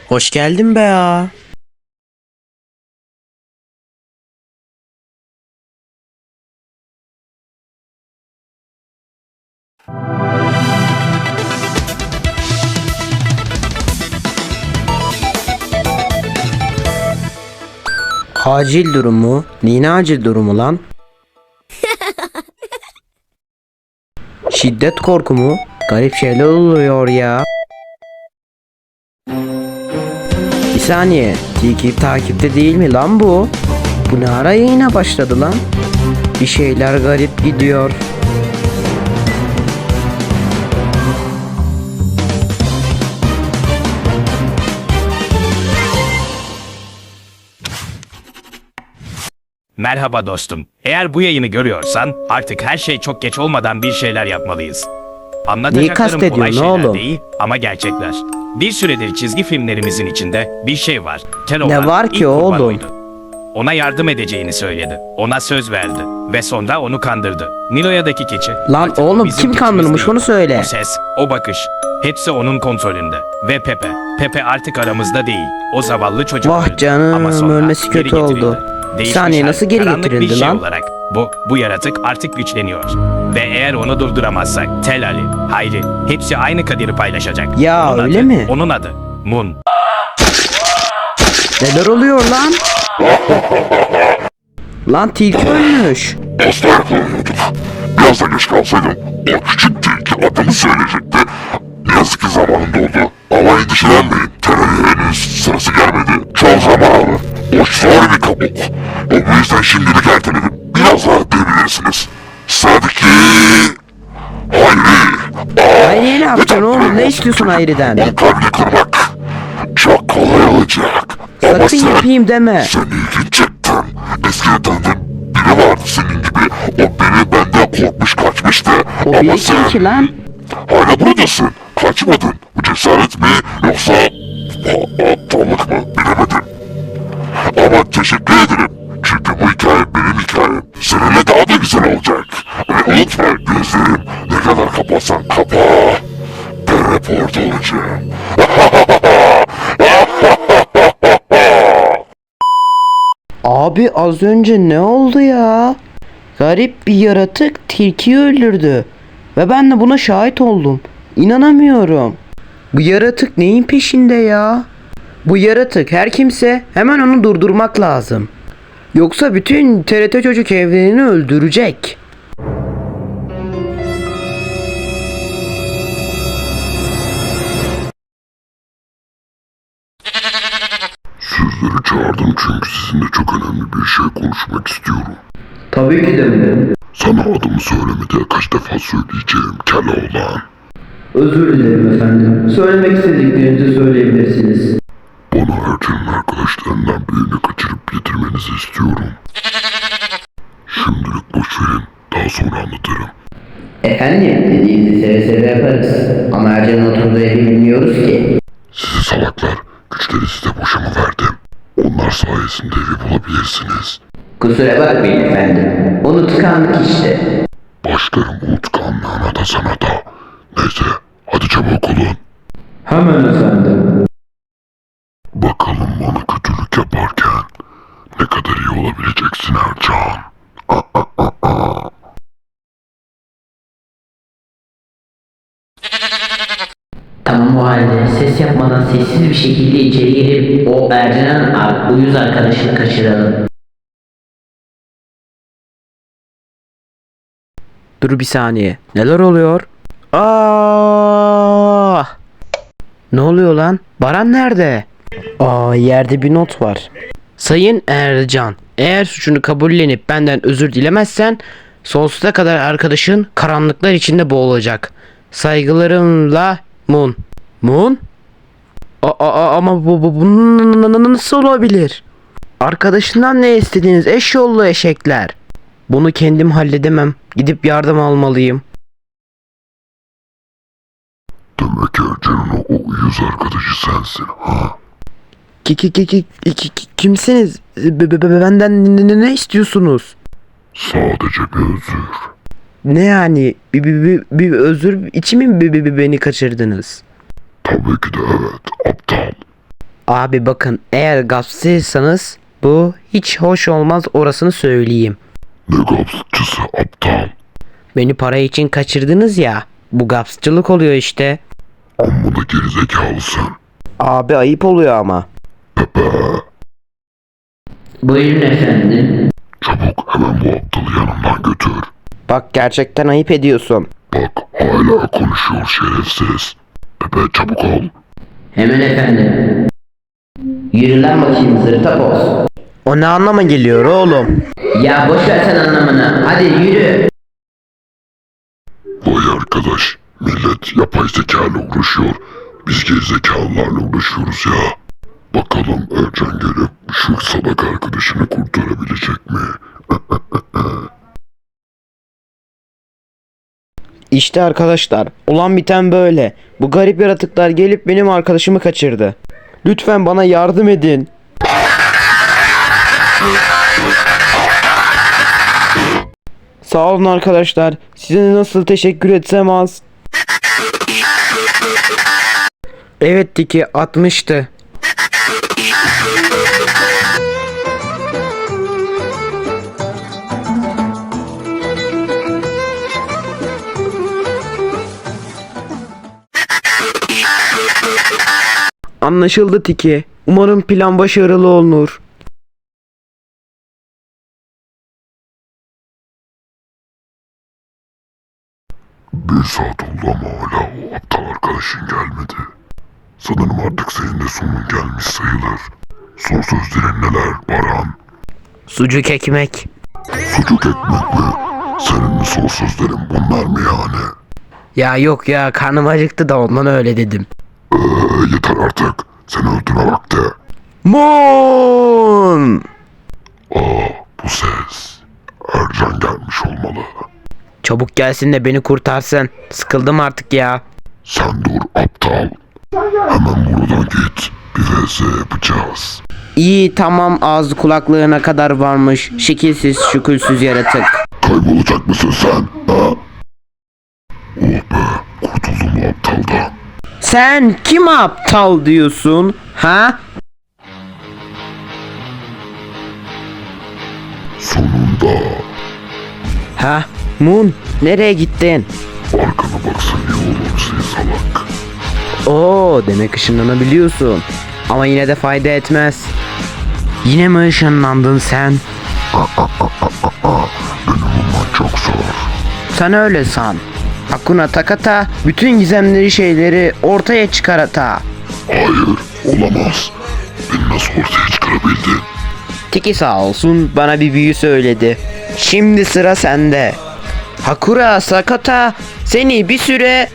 Hoş geldin be ya. Acil durumu? Neyine acil durumu lan? Şiddet korku mu? Garip şeyler oluyor ya. Bir saniye. Takipte değil mi lan bu? Bu ne ara yayına başladı lan? Bir şeyler garip gidiyor. Merhaba dostum. Eğer bu yayını görüyorsan artık her şey çok geç olmadan bir şeyler yapmalıyız. Neyi Anlatacaklarım kastediyorsun kolay şeyler oğlum? değil ama gerçekler. Bir süredir çizgi filmlerimizin içinde bir şey var. Ne var ki ilk kurban oğlum? oydu. Ona yardım edeceğini söyledi. Ona söz verdi. Ve sonra onu kandırdı. Niloya'daki keçi. Lan artık o oğlum, bizim kim keçimiz kandırmış değil. onu söyle. O ses, o bakış. Hepsi onun kontrolünde. Ve Pepe. Pepe artık aramızda değil. O zavallı çocuk Vah öldü. canım, Ama sonra ölmesi geri kötü getirildi. oldu. Bir Değişmiş saniye, hal, nasıl geri karanlık getirildi bir şey lan? olarak bu yaratık artık güçleniyor. Ve eğer onu durduramazsak Tel Ali, Hayri hepsi aynı kaderi paylaşacak. Ya, Onun öyle adı, mi? Onun adı Moon. Neler oluyor lan? Lan tilki ölmüş. Asla yakalanıyorduk. Biraz da geç kalsaydım o küçük tilki adımı söyleyecekti. Ne yazık ki zamanında oldu. Ama endişelenmeyin. Terörü henüz sırası gelmedi. Çok zaman alır. O şöyle bir kabuk. O yüzden şimdilik erteledim. Biraz daha diyebilirsiniz. Sıradaki... Hayri. Hayriye ne yapacaksın oğlum? Ne istiyorsun Hayri'den? O kalbini kırmak çok kolay olacak. Ama Sakın sen, yapayım deme. sen ilginç çıktın. Eskiden tanıdığım biri vardı senin gibi. O biri benden korkmuş kaçmıştı. O Ama biri sen kim ki lan? hala buradasın. Kaçmadın. Bu cesaret mi yoksa aptallık mı bilemedim. Ama teşekkür ederim. Çünkü bu hikaye benim hikayem. Seninle daha da güzel olacak. Ve unutma gözlerim ne kadar kapatsan kapa. Ben hep orada olacağım. Abi az önce ne oldu ya? Garip bir yaratık tilkiyi öldürdü. Ve ben de buna şahit oldum. İnanamıyorum. Bu yaratık neyin peşinde ya? Bu yaratık her kimse hemen onu durdurmak lazım. Yoksa bütün TRT Çocuk evrenini öldürecek. Sizleri çağırdım çünkü sizinle çok önemli bir şey konuşmak istiyorum. Tabii ki de mi? Sana adımı söyleme diye kaç defa söyleyeceğim Keloğlan. Özür dilerim efendim. Söylemek istediklerinizi söyleyebilirsiniz. Bana Ercan'ın arkadaşlarından birini kaçırıp getirmenizi istiyorum. Şimdilik boş verin. Daha sonra anlatırım. Efendim, dediğinizi seve seve yaparız. Ama Ercan'ın oturduğu evi bilmiyoruz ki. Sizi salaklar, güçleri size boşa mı verdim? Onlar sayesinde evi bulabilirsiniz. Kusura bakmayın efendim. Unutkanlık işte. Başlarım unutkanlığına da sana da. Neyse, hadi çabuk olun. Hemen efendim. Bakalım bana kötülük yaparken ne kadar iyi olabileceksin Ercan. Tamam, o halde ses yapmadan sessiz bir şekilde içeri girip o Ercan'ın uyuz arkadaşını kaçıralım. Dur bir saniye. Neler oluyor? Aa! Ne oluyor lan? Baran nerede? Yerde bir not var. Sayın Ercan, eğer suçunu kabullenip benden özür dilemezsen sonsuza kadar arkadaşın karanlıklar içinde boğulacak. Saygılarımla Moon. Moon? Ama bu nasıl olabilir? Arkadaşından ne istediğiniz eşyollu eşekler? Bunu kendim halledemem. Gidip yardım almalıyım. Demek Ercan'ın o uyuz arkadaşı sensin ha? Kimsiniz? Benden ne istiyorsunuz? Sadece bir özür. Ne yani? Bir özür için mi beni kaçırdınız? Tabii ki de evet, aptal. Abi bakın, eğer gapsıysanız bu hiç hoş olmaz, orasını söyleyeyim. Ne gapsçısı aptal. Beni para için kaçırdınız ya. Bu gapsçılık oluyor işte. Amma da gerizekalısın. Abi ayıp oluyor ama. Buyurun efendim. Çabuk hemen bu aptalı yanımdan götür. Bak, gerçekten ayıp ediyorsun. Bak hala konuşuyor şerefsiz. Pepe çabuk ol. Hemen efendim. Yürü lan bakayım zırtapoz. O ne anlama geliyor oğlum? Ya boş ver sen anlamını. Hadi yürü. Vay arkadaş, millet yapay zekayla uğraşıyor. Biz gerizekalılarla uğraşıyoruz ya. Bakalım Ercan gelip şu salak arkadaşını kurtarabilecek mi? İşte arkadaşlar, olan biten böyle. Bu garip yaratıklar gelip benim arkadaşımı kaçırdı. Lütfen bana yardım edin. Sağ olun arkadaşlar. Size nasıl teşekkür etsem az. Evet Tiki, 60'tı. Anlaşıldı Tiki. Umarım plan başarılı olur. Bir saat oldu ama hala o aptal arkadaşın gelmedi. Sanırım artık senin de sonun gelmiş sayılır. Son sözlerin neler Baran? Sucuk ekmek. Sucuk ekmek mi? Senin mi son sözlerin bunlar mı yani? Ya yok ya, karnım acıktı da ondan öyle dedim. Yeter artık. Seni öldürme vakti. Moon! Bu ses. Ercan gelmiş olmalı. Çabuk gelsin de beni kurtarsın. Sıkıldım artık ya. Sen dur aptal. Hemen buradan git. Bir vs yapacağız. İyi tamam, ağzı kulaklığına kadar varmış. Şekilsiz şükülsüz yaratık. Kaybolacak mısın sen? Ha? Oh be, kurtuldum bu aptaldan. Sen kim aptal diyorsun? Ha? Sonunda Ha? Moon, nereye gittin? arkana baksan iyi olur seni salak. Oo, demek ışınlanabiliyorsun. Ama yine de fayda etmez. Yine mi ışınlandın sen? Benim bulman çok zor. Sen öyle san. Hakuna Takata bütün gizemleri şeyleri ortaya çıkarata. Hayır, olamaz. Beni nasıl ortaya çıkarabildin? Tiki sağ olsun bana bir büyü söyledi. Şimdi sıra sende. Hakura Sakata seni bir süre...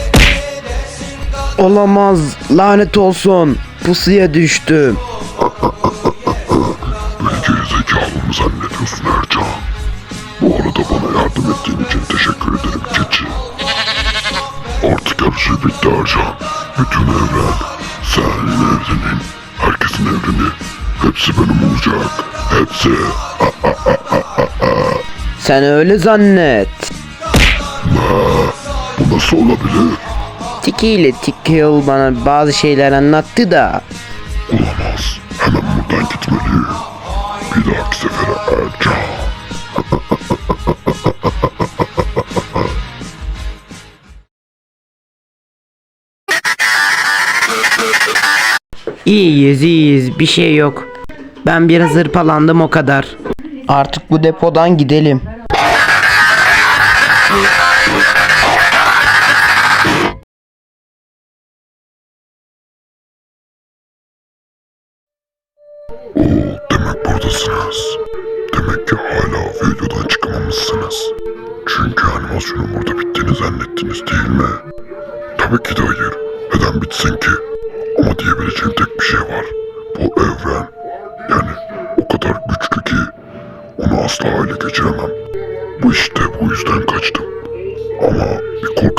Olamaz, lanet olsun. Pusuya düştüm. Beni gerizekalı mı zannediyorsun Ercan? Bu arada bana yardım ettiğin için teşekkür ederim keçi. Artık her şey bitti Ercan. Bütün evren, senin evrenin, herkesin evreni, hepsi benim olacak. Hepsi. Sen öyle zannet. Bu nasıl olabilir? Tiki ile Tikil bana bazı şeyler anlattı da. Olamaz. Hemen buradan gitmeliyim. Bir dahaki sefere Ercan. İyiyiz iyiyiz, bir şey yok. Ben biraz hırpalandım, o kadar. Artık bu depodan gidelim. Demek buradasınız. Demek ki hala videodan çıkamamışsınız. Çünkü animasyonun burada bittiğini zannettiniz değil mi? Tabii ki de hayır. Neden bitsin ki? Ama diyebileceğim tek bir şey var. Bu evren, yani o kadar güçlü ki onu asla ele geçiremem. Bu işte bu yüzden kaçtım. Ama bir korku